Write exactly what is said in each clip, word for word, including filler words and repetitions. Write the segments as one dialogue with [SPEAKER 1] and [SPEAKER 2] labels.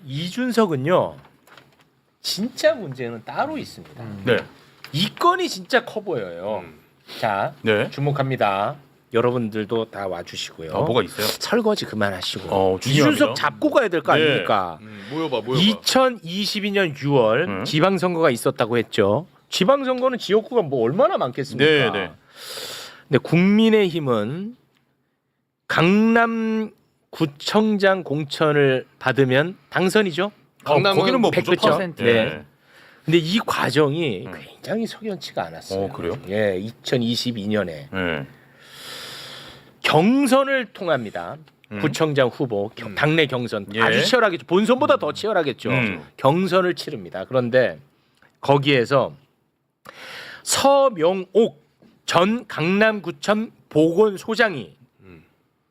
[SPEAKER 1] 이준석은요 진짜 문제는 따로 있습니다.
[SPEAKER 2] 음. 네.
[SPEAKER 1] 이 건이 진짜 커 보여요.
[SPEAKER 2] 음.
[SPEAKER 1] 자
[SPEAKER 2] 네.
[SPEAKER 1] 주목합니다. 여러분들도 다 와주시고요.
[SPEAKER 2] 아, 뭐가 있어요?
[SPEAKER 1] 설거지 그만하시고
[SPEAKER 2] 어, 중요합니다.
[SPEAKER 1] 이준석 잡고 가야 될 거
[SPEAKER 2] 네.
[SPEAKER 1] 아닙니까?
[SPEAKER 2] 음, 모여봐, 모여봐.
[SPEAKER 1] 이천이십이 년 유월
[SPEAKER 2] 음.
[SPEAKER 1] 지방선거가 있었다고 했죠. 지방선거는 지역구가 뭐 얼마나 많겠습니까?
[SPEAKER 2] 네, 네.
[SPEAKER 1] 근데 국민의힘은 강남구청장 공천을 받으면 당선이죠.
[SPEAKER 2] 강남은 거기는 뭐
[SPEAKER 1] 백 퍼센트.
[SPEAKER 2] 무조건
[SPEAKER 1] 네.
[SPEAKER 2] 네.
[SPEAKER 1] 근데 이 과정이
[SPEAKER 2] 음.
[SPEAKER 1] 굉장히 석연치가 않았어요.
[SPEAKER 2] 어, 그래요?
[SPEAKER 1] 예, 이천이십이 년에
[SPEAKER 2] 네.
[SPEAKER 1] 경선을 통합니다.
[SPEAKER 2] 음.
[SPEAKER 1] 구청장 후보 겨-
[SPEAKER 2] 음.
[SPEAKER 1] 당내 경선
[SPEAKER 2] 예.
[SPEAKER 1] 아주 치열하겠죠. 본선보다 더 치열하겠죠.
[SPEAKER 2] 음.
[SPEAKER 1] 경선을 치릅니다. 그런데 거기에서 서명옥 전 강남구청 보건소장이
[SPEAKER 2] 음.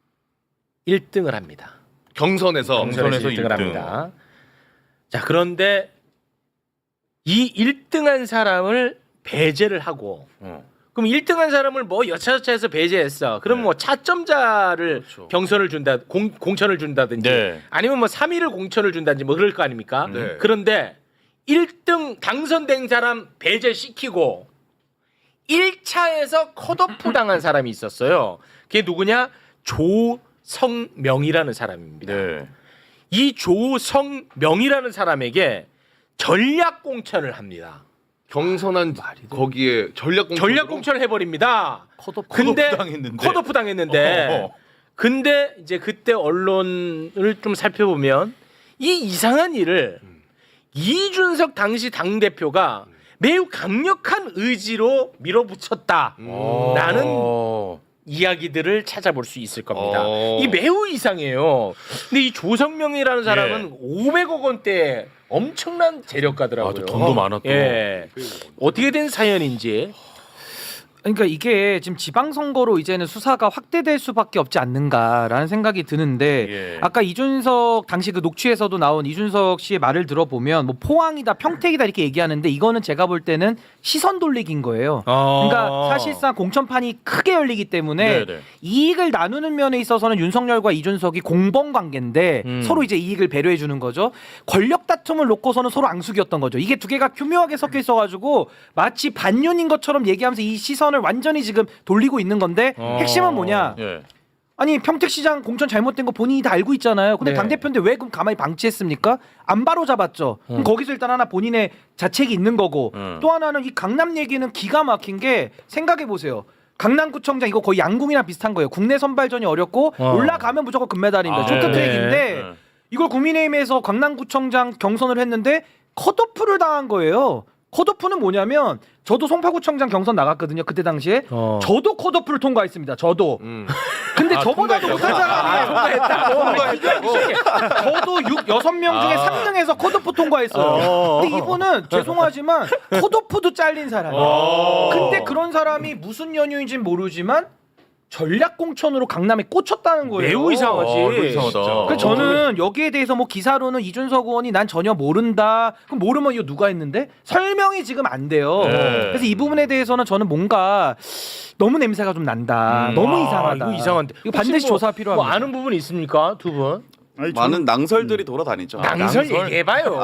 [SPEAKER 1] 일 등을 합니다.
[SPEAKER 2] 경선에서
[SPEAKER 1] 경선에서 일 등을 합니다. 자, 그런데 이 일 등한 사람을 배제를 하고
[SPEAKER 2] 어.
[SPEAKER 1] 그럼 일 등한 사람을 뭐 여차저차해서 배제했어. 그럼
[SPEAKER 2] 네.
[SPEAKER 1] 뭐 차점자를
[SPEAKER 2] 그렇죠.
[SPEAKER 1] 경선을 준다, 공, 공천을 준다든지
[SPEAKER 2] 네.
[SPEAKER 1] 아니면 뭐 삼 위를 공천을 준다든지 뭐 그럴 거 아닙니까?
[SPEAKER 2] 네.
[SPEAKER 1] 그런데 일 등 당선된 사람 배제시키고 일 차에서 컷오프 당한 사람이 있었어요. 그게 누구냐? 조성명이라는 사람입니다.
[SPEAKER 2] 네.
[SPEAKER 1] 이 조성명이라는 사람에게 전략 공천을 합니다.
[SPEAKER 2] 경선한 거기에 전략 공천
[SPEAKER 1] 전략 공천을 해버립니다.
[SPEAKER 2] 컷오프
[SPEAKER 1] 근데
[SPEAKER 2] 당했는데.
[SPEAKER 1] 컷오프 당했는데
[SPEAKER 2] 어허.
[SPEAKER 1] 근데 이제 그때 언론을 좀 살펴보면 이 이상한 일을
[SPEAKER 2] 음.
[SPEAKER 1] 이준석 당시 당 대표가 매우 강력한 의지로 밀어붙였다라는
[SPEAKER 2] 어.
[SPEAKER 1] 이야기들을 찾아볼 수 있을 겁니다.
[SPEAKER 2] 어.
[SPEAKER 1] 이 매우 이상해요. 근데 이 조성명이라는 사람은
[SPEAKER 2] 예.
[SPEAKER 1] 오백억 원대 엄청난 재력가더라고요.
[SPEAKER 2] 아, 또 돈도 많았고.
[SPEAKER 1] 예. 어떻게 된 사연인지.
[SPEAKER 3] 그러니까 이게 지금 지방선거로 이제는 수사가 확대될 수밖에 없지 않는가라는 생각이 드는데
[SPEAKER 2] 예.
[SPEAKER 3] 아까 이준석 당시 그 녹취에서도 나온 이준석 씨의 말을 들어보면 뭐 포항이다 평택이다 이렇게 얘기하는데 이거는 제가 볼 때는 시선 돌리기인 거예요. 그러니까 사실상 공천판이 크게 열리기 때문에
[SPEAKER 2] 네네.
[SPEAKER 3] 이익을 나누는 면에 있어서는 윤석열과 이준석이 공범 관계인데
[SPEAKER 1] 음.
[SPEAKER 3] 서로 이제 이익을 배려해 주는 거죠. 권력 다툼을 놓고서는 서로 앙숙이었던 거죠. 이게 두 개가 교묘하게 섞여 있어가지고 마치 반윤인 것처럼 얘기하면서 이 시선을 완전히 지금 돌리고 있는 건데
[SPEAKER 1] 어.
[SPEAKER 3] 핵심은 뭐냐?
[SPEAKER 2] 예.
[SPEAKER 3] 아니 평택시장 공천 잘못된 거 본인이 다 알고 있잖아요. 근데
[SPEAKER 1] 네.
[SPEAKER 3] 당대표인데 왜 그럼 가만히 방치했습니까? 안 바로 잡았죠. 그럼
[SPEAKER 1] 음.
[SPEAKER 3] 거기서 일단 하나 본인의 자책이 있는 거고
[SPEAKER 2] 음.
[SPEAKER 3] 또 하나는 이 강남 얘기는 기가 막힌 게 생각해 보세요. 강남구청장 이거 거의 양궁이나 비슷한 거예요. 국내 선발전이 어렵고
[SPEAKER 1] 어.
[SPEAKER 3] 올라가면 무조건 금메달입니다.
[SPEAKER 2] 아,
[SPEAKER 3] 쇼트트랙인데
[SPEAKER 2] 네.
[SPEAKER 3] 이걸 국민의힘에서 강남구청장 경선을 했는데 컷오프를 당한 거예요. 컷오프는 뭐냐면 저도 송파구청장 경선 나갔거든요. 그때 당시에
[SPEAKER 1] 어.
[SPEAKER 3] 저도 컷오프를 통과했습니다. 저도.
[SPEAKER 2] 음.
[SPEAKER 3] 근데
[SPEAKER 2] 아,
[SPEAKER 3] 저보다도 못한
[SPEAKER 2] 통과했다고?
[SPEAKER 3] 사람이
[SPEAKER 1] 통과했다고?
[SPEAKER 3] 저도 육, 여섯 명 중에
[SPEAKER 2] 아.
[SPEAKER 3] 삼 등에서 컷오프 통과했어요.
[SPEAKER 1] 어.
[SPEAKER 3] 근데 이분은 죄송하지만 컷오프도 잘린 사람이에요.
[SPEAKER 2] 어.
[SPEAKER 3] 근데 그런 사람이 무슨 연유인지는 모르지만 전략 공천으로 강남에 꽂혔다는 거예요.
[SPEAKER 1] 매우 이상하지.
[SPEAKER 2] 어, 이거 이상하다.
[SPEAKER 3] 그래서 저는 여기에 대해서 뭐 기사로는 이준석 의원이 난 전혀 모른다. 그럼 모르면 이거 누가 했는데 설명이 지금 안 돼요.
[SPEAKER 2] 네.
[SPEAKER 3] 그래서 이 부분에 대해서는 저는 뭔가 너무 냄새가 좀 난다.
[SPEAKER 2] 음.
[SPEAKER 3] 너무
[SPEAKER 1] 아,
[SPEAKER 3] 이상하다.
[SPEAKER 1] 이거 이상한데.
[SPEAKER 3] 이거 반드시
[SPEAKER 1] 혹시 뭐,
[SPEAKER 3] 조사 필요합니다.
[SPEAKER 1] 뭐 아는 부분 있습니까, 두 분?
[SPEAKER 4] 아니,
[SPEAKER 5] 많은 낭설들이 돌아다니죠.
[SPEAKER 1] 낭설,
[SPEAKER 2] 낭설?
[SPEAKER 1] 얘기해봐요.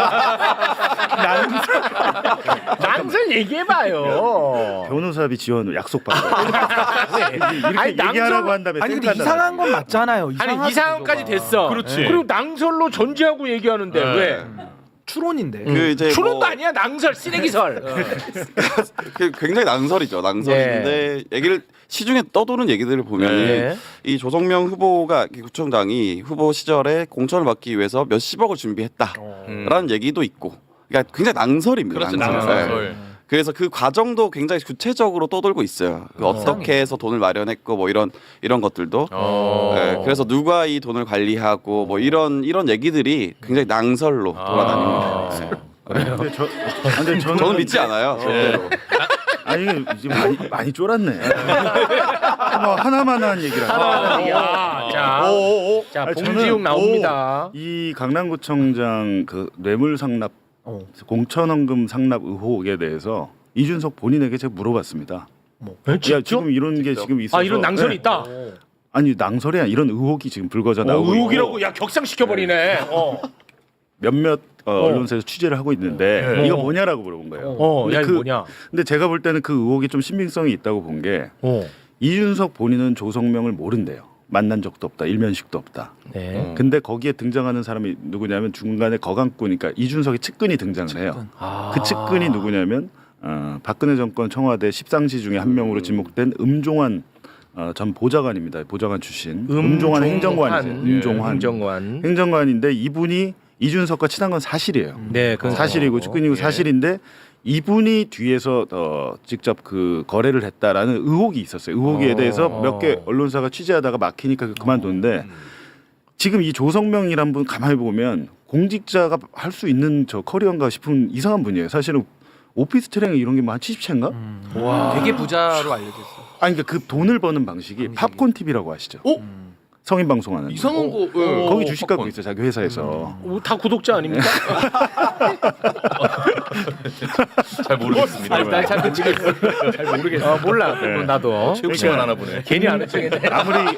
[SPEAKER 1] 낭설, 낭설 얘기해봐요.
[SPEAKER 4] 변호사비 지원 약속받고 이렇게
[SPEAKER 1] 아니,
[SPEAKER 4] 얘기하라고
[SPEAKER 1] 낭설-
[SPEAKER 4] 한 다음에
[SPEAKER 3] 아니 근데
[SPEAKER 4] 생각한다는
[SPEAKER 3] 이상한 건 맞잖아요.
[SPEAKER 1] 아니
[SPEAKER 3] 이상하죠,
[SPEAKER 1] 이상한까지
[SPEAKER 3] 그거가.
[SPEAKER 1] 됐어.
[SPEAKER 2] 그렇지.
[SPEAKER 1] 그리고 낭설로 전제하고 얘기하는데
[SPEAKER 2] 네.
[SPEAKER 1] 왜?
[SPEAKER 3] 추론인데.
[SPEAKER 5] 그 이제
[SPEAKER 1] 추론도
[SPEAKER 5] 뭐
[SPEAKER 1] 아니야, 낭설, 쓰레기설.
[SPEAKER 5] 그 굉장히 낭설이죠. 낭설인데 얘기를 시중에 떠도는 얘기들을 보면
[SPEAKER 1] 네.
[SPEAKER 5] 이 조성명 후보가 구청장이 후보 시절에 공천을 받기 위해서 몇십억을 준비했다라는
[SPEAKER 2] 음.
[SPEAKER 5] 얘기도 있고, 그러니까 굉장히 낭설입니다.
[SPEAKER 2] 그렇죠.
[SPEAKER 5] 낭설.
[SPEAKER 2] 낭설.
[SPEAKER 5] 네. 그래서 그 과정도 굉장히 구체적으로 떠돌고 있어요. 그 어떻게 해서 돈을 마련했고 뭐 이런 이런 것들도.
[SPEAKER 2] 어.
[SPEAKER 5] 네, 그래서 누가 이 돈을 관리하고 뭐 이런 이런 얘기들이 굉장히 낭설로 돌아다닙니다. 네.
[SPEAKER 4] 근데 저 근데 저는,
[SPEAKER 5] 저는 믿지 않아요. 절대로.
[SPEAKER 4] 아니 이게 지금 많이 많이 쫄았네. 뭐 하나만 한 얘기를 하고.
[SPEAKER 1] 야, 자, 자,
[SPEAKER 4] 아니,
[SPEAKER 1] 봉지욱
[SPEAKER 4] 저는
[SPEAKER 1] 나옵니다.
[SPEAKER 4] 이 강남구청장 그 뇌물 상납
[SPEAKER 3] 어.
[SPEAKER 4] 공천원금 상납 의혹에 대해서 이준석 본인에게 제가 물어봤습니다.
[SPEAKER 1] 에,
[SPEAKER 4] 야
[SPEAKER 1] 진짜?
[SPEAKER 4] 지금 이런 게 지금 있어서
[SPEAKER 1] 아, 이런 낭설이
[SPEAKER 4] 네.
[SPEAKER 1] 있다.
[SPEAKER 4] 아니 낭설이 아니라 이런 의혹이 지금 불거져
[SPEAKER 1] 어,
[SPEAKER 4] 나오고
[SPEAKER 1] 의혹이라고 야 격상시켜 버리네. 어.
[SPEAKER 4] 몇몇 어,
[SPEAKER 1] 어.
[SPEAKER 4] 언론사에서 취재를 하고 있는데
[SPEAKER 1] 네.
[SPEAKER 4] 이거
[SPEAKER 1] 어.
[SPEAKER 4] 뭐냐라고 물어본 거예요.
[SPEAKER 1] 어,
[SPEAKER 4] 근데
[SPEAKER 1] 야, 이거
[SPEAKER 4] 그-
[SPEAKER 1] 뭐냐?
[SPEAKER 4] 근데 제가 볼 때는 그 의혹이 좀 신빙성이 있다고 본 게
[SPEAKER 1] 어.
[SPEAKER 4] 이준석 본인은 조성명을 모른대요. 만난 적도 없다. 일면식도 없다.
[SPEAKER 1] 네.
[SPEAKER 4] 근데 거기에 등장하는 사람이 누구냐면 중간에 거강꾼, 그러니까 이준석의 측근이 등장을 해요.
[SPEAKER 1] 아.
[SPEAKER 4] 그 측근이 누구냐면 어, 박근혜 정권 청와대 십상시 중에 한 명으로 지목된 음종환 어, 전 보좌관입니다. 보좌관 출신. 음종환 행정관이세요.
[SPEAKER 1] 예.
[SPEAKER 4] 음종환
[SPEAKER 1] 행정관.
[SPEAKER 4] 행정관인데 이분이 이준석과 친한 건 사실이에요.
[SPEAKER 1] 네, 그건
[SPEAKER 4] 사실이고 측근이고
[SPEAKER 1] 예.
[SPEAKER 4] 사실인데 이분이 뒤에서 어, 직접 그 거래를 했다라는 의혹이 있었어요. 의혹에
[SPEAKER 1] 어.
[SPEAKER 4] 대해서 몇 개 언론사가 취재하다가 막히니까 그만뒀는데 지금 이 조성명이란 분 가만히 보면 공직자가 할 수 있는 저 커리어인가 싶은 이상한 분이에요. 사실은 오피스텔행 이런 게 뭐 한 칠십 채인가?
[SPEAKER 3] 와. 되게 부자로 알려졌어.
[SPEAKER 4] 아니 그러니까 그 돈을 버는 방식이 팝콘 티비라고 아시죠?
[SPEAKER 2] 어?
[SPEAKER 4] 성인 방송하는.
[SPEAKER 2] 이상한 거. 예.
[SPEAKER 1] 어,
[SPEAKER 4] 거기 주식 갖고
[SPEAKER 2] 팝콘.
[SPEAKER 4] 있어요. 자기 회사에서.
[SPEAKER 1] 어, 다 구독자 아닙니까?
[SPEAKER 2] 잘 모르겠습니다.
[SPEAKER 1] 아니, 난잘 모르겠어. 잘 모르겠어. 어, 몰라.
[SPEAKER 4] 네.
[SPEAKER 1] 나도.
[SPEAKER 2] 체육 시간 하나 보네.
[SPEAKER 1] 괜히 아는 척했네.
[SPEAKER 4] 아무리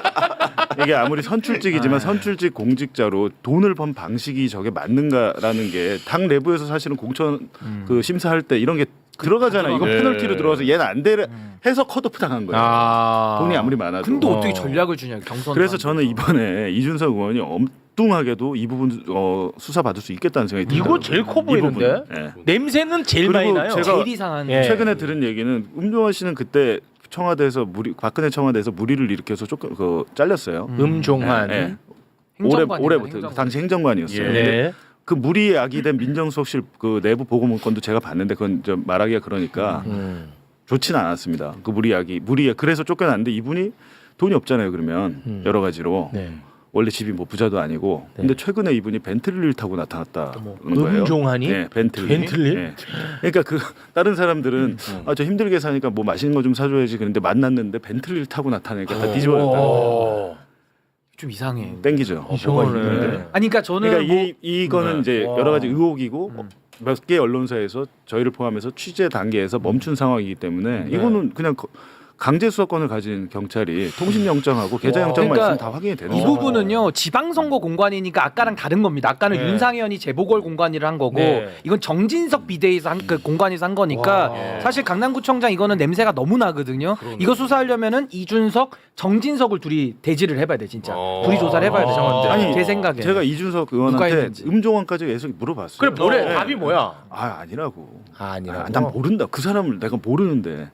[SPEAKER 4] 이게 아무리 선출직이지만 선출직 공직자로 돈을 번 방식이 저게 맞는가라는 게 당 내부에서 사실은 공천 그 심사할 때 이런 게 들어가잖아. 이거
[SPEAKER 2] 네.
[SPEAKER 4] 페널티로 들어가서 얘는 안 돼. 해서 컷오프 당한 거예요.
[SPEAKER 1] 아.
[SPEAKER 4] 돈이 아무리 많아도.
[SPEAKER 3] 근데
[SPEAKER 1] 어.
[SPEAKER 3] 어떻게 전략을 주냐 경선.
[SPEAKER 4] 그래서 저는 이번에 이준석 의원이 엉뚱하게도 이 부분 어, 수사 받을 수 있겠다는 생각이
[SPEAKER 1] 이거
[SPEAKER 4] 들어요.
[SPEAKER 1] 제일 커 보이는데?
[SPEAKER 4] 냄새는
[SPEAKER 1] 냄새는 제일
[SPEAKER 4] 그리고
[SPEAKER 1] 많이 나요.
[SPEAKER 4] 제가
[SPEAKER 3] 제일 이상한.
[SPEAKER 1] 예.
[SPEAKER 4] 최근에 들은 얘기는 음종환 씨는 그때 청와대에서 무리 박근혜 청와대에서 무리를 일으켜서 조금 그 잘렸어요.
[SPEAKER 1] 음종환.
[SPEAKER 4] 예, 예.
[SPEAKER 3] 행정관이다,
[SPEAKER 4] 올해 올해부터
[SPEAKER 3] 행정관.
[SPEAKER 4] 당시 행정관이었어요.
[SPEAKER 2] 예.
[SPEAKER 1] 네.
[SPEAKER 4] 그 무리에 야기된 민정수석실 그 내부 보고 문건도 제가 봤는데 그건 좀 말하기가 그러니까
[SPEAKER 1] 음.
[SPEAKER 4] 좋지는 않았습니다. 그 무리 야기 무리에 그래서 쫓겨났는데 이분이 돈이 없잖아요. 그러면
[SPEAKER 1] 음.
[SPEAKER 4] 여러 가지로
[SPEAKER 1] 네.
[SPEAKER 4] 원래 집이 뭐 부자도 아니고
[SPEAKER 1] 네.
[SPEAKER 4] 근데 최근에 이분이 벤틀리를 타고 나타났다는 거예요.
[SPEAKER 1] 음종환이?
[SPEAKER 4] 네, 벤틀리.
[SPEAKER 1] 벤틀리?
[SPEAKER 4] 네. 그러니까 그 다른 사람들은 아, 저 힘들게 사니까 뭐 맛있는 거 좀 사줘야지 그런데 만났는데 벤틀리를 타고 나타나니까 다 뒤집어졌다.
[SPEAKER 1] 오.
[SPEAKER 3] 좀 이상해.
[SPEAKER 4] 땡기죠.
[SPEAKER 1] 이상하네.
[SPEAKER 3] 아니 그러니까 저는
[SPEAKER 4] 그러니까
[SPEAKER 3] 뭐
[SPEAKER 4] 이 이거는
[SPEAKER 2] 네.
[SPEAKER 4] 이제
[SPEAKER 1] 와.
[SPEAKER 4] 여러 가지 의혹이고
[SPEAKER 3] 음.
[SPEAKER 4] 몇 개 언론사에서 저희를 포함해서 취재 단계에서 멈춘 상황이기 때문에
[SPEAKER 1] 네.
[SPEAKER 4] 이거는 그냥 거- 강제 수사권을 가진 경찰이 통신 영장하고 계좌
[SPEAKER 1] 와.
[SPEAKER 4] 영장만
[SPEAKER 3] 그러니까
[SPEAKER 4] 있으면 다 확인이 되는
[SPEAKER 3] 이
[SPEAKER 4] 거예요.
[SPEAKER 3] 부분은요 지방선거 공관이니까 아까랑 다른 겁니다. 아까는
[SPEAKER 1] 네.
[SPEAKER 3] 윤상현이 재보궐 공관위를 한 거고
[SPEAKER 1] 네.
[SPEAKER 3] 이건 정진석 비대위에서 한 그 공관위에서 한 거니까
[SPEAKER 1] 와.
[SPEAKER 3] 사실 강남구청장 이거는 냄새가 너무 나거든요. 이거 수사하려면은 이준석, 정진석을 둘이 대지를 해봐야 돼 진짜.
[SPEAKER 2] 어.
[SPEAKER 3] 둘이 조사를 해봐야 돼 정확히.
[SPEAKER 4] 아니,
[SPEAKER 3] 제 생각에.
[SPEAKER 4] 제가 이준석
[SPEAKER 3] 누가
[SPEAKER 4] 의원한테
[SPEAKER 3] 했는지.
[SPEAKER 4] 음종환까지 계속 물어봤어요.
[SPEAKER 1] 그래 뭐래?
[SPEAKER 4] 네.
[SPEAKER 1] 답이 뭐야?
[SPEAKER 4] 아 아니라고.
[SPEAKER 1] 아, 아니라고.
[SPEAKER 4] 아, 난 모른다. 그 사람을 내가 모르는데.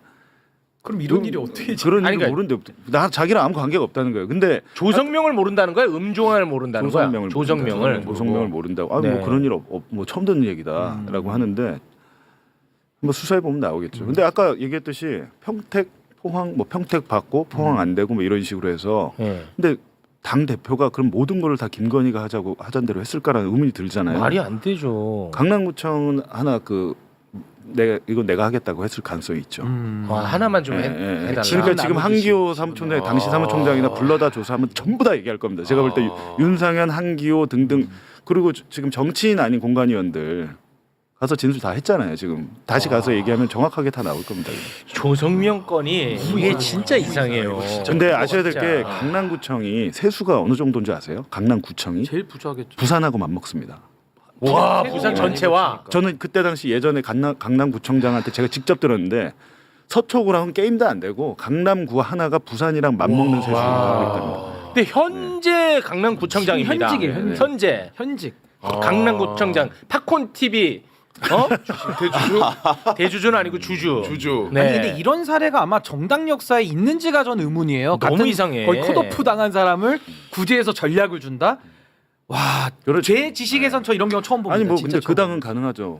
[SPEAKER 3] 그럼
[SPEAKER 4] 그런 일이 그런
[SPEAKER 1] 아니,
[SPEAKER 4] 일을
[SPEAKER 1] 그러니까-
[SPEAKER 4] 모르는데 나 자기랑 아무 관계가 없다는 거예요. 근데
[SPEAKER 1] 조성명을 모른다는 거야? 음종환을 모른다는 거야?
[SPEAKER 4] 조성명을
[SPEAKER 1] 조성명을.
[SPEAKER 4] 모른다. 조성명을 모른다고. 아,
[SPEAKER 1] 네.
[SPEAKER 4] 뭐 그런 일 없, 없- 뭐 처음 듣는 얘기다라고 하는데 뭐 수사해 보면 나오겠죠. 근데 아까 얘기했듯이 평택 포항 뭐 평택 받고 포항 안 되고 뭐 이런 식으로 해서
[SPEAKER 1] 예.
[SPEAKER 4] 근데 당 대표가 그럼 모든 거를 다 김건희가 하자고 하던 대로 했을까라는 의문이 들잖아요.
[SPEAKER 1] 말이 안 되죠.
[SPEAKER 4] 강남구청은 하나 그 내가 이거 내가 하겠다고 했을 가능성이 있죠.
[SPEAKER 3] 음.
[SPEAKER 1] 와, 하나만 좀
[SPEAKER 4] 예,
[SPEAKER 1] 해,
[SPEAKER 4] 예, 예.
[SPEAKER 1] 해달라.
[SPEAKER 4] 그러니까 지금
[SPEAKER 3] 나누듯이.
[SPEAKER 4] 한기호 사무총장 당시 사무총장이나 불러다 조사하면 전부 다 얘기할 겁니다. 제가 볼 때
[SPEAKER 2] 아.
[SPEAKER 4] 윤상현, 한기호 등등 그리고 지- 지금 정치인 아닌 공관위원들 가서 진술 다 했잖아요. 지금 다시 가서 얘기하면 정확하게 다 나올 겁니다.
[SPEAKER 1] 조성명 건이 이게 진짜 이상해요.
[SPEAKER 4] 근데 아셔야 될 게
[SPEAKER 1] 진짜.
[SPEAKER 4] 강남구청이 세수가 어느 정도인지 아세요? 강남구청이
[SPEAKER 3] 제일 부자겠죠.
[SPEAKER 4] 부산하고 맞먹습니다.
[SPEAKER 1] 와, 부산 전체와
[SPEAKER 4] 저는 그때 당시 예전에 강남, 강남구청장한테 제가 직접 들었는데 서초구랑은 게임도 안 되고 강남구 하나가 부산이랑 맞먹는 세수를 하고 있답니다.
[SPEAKER 1] 근데 현재 강남구청장입니다.
[SPEAKER 3] 현직이에요, 현직.
[SPEAKER 1] 현재
[SPEAKER 3] 현직.
[SPEAKER 1] 강남구청장 팝콘 티비 어?
[SPEAKER 2] 대주주?
[SPEAKER 1] 대주주는 아니고 주주.
[SPEAKER 2] 주주.
[SPEAKER 1] 네.
[SPEAKER 3] 아니 근데 이런 사례가 아마 정당 역사에 있는지가 전 의문이에요.
[SPEAKER 1] 너무
[SPEAKER 3] 같은
[SPEAKER 1] 이상해.
[SPEAKER 3] 거의 컷오프 당한 사람을 구제해서 전략을 준다. 와,
[SPEAKER 4] 그렇죠.
[SPEAKER 3] 제 지식에선 저 이런 경우 처음 봅니다.
[SPEAKER 4] 아니 뭐
[SPEAKER 3] 진짜
[SPEAKER 4] 근데 그
[SPEAKER 3] 처음
[SPEAKER 4] 당은 가능하죠.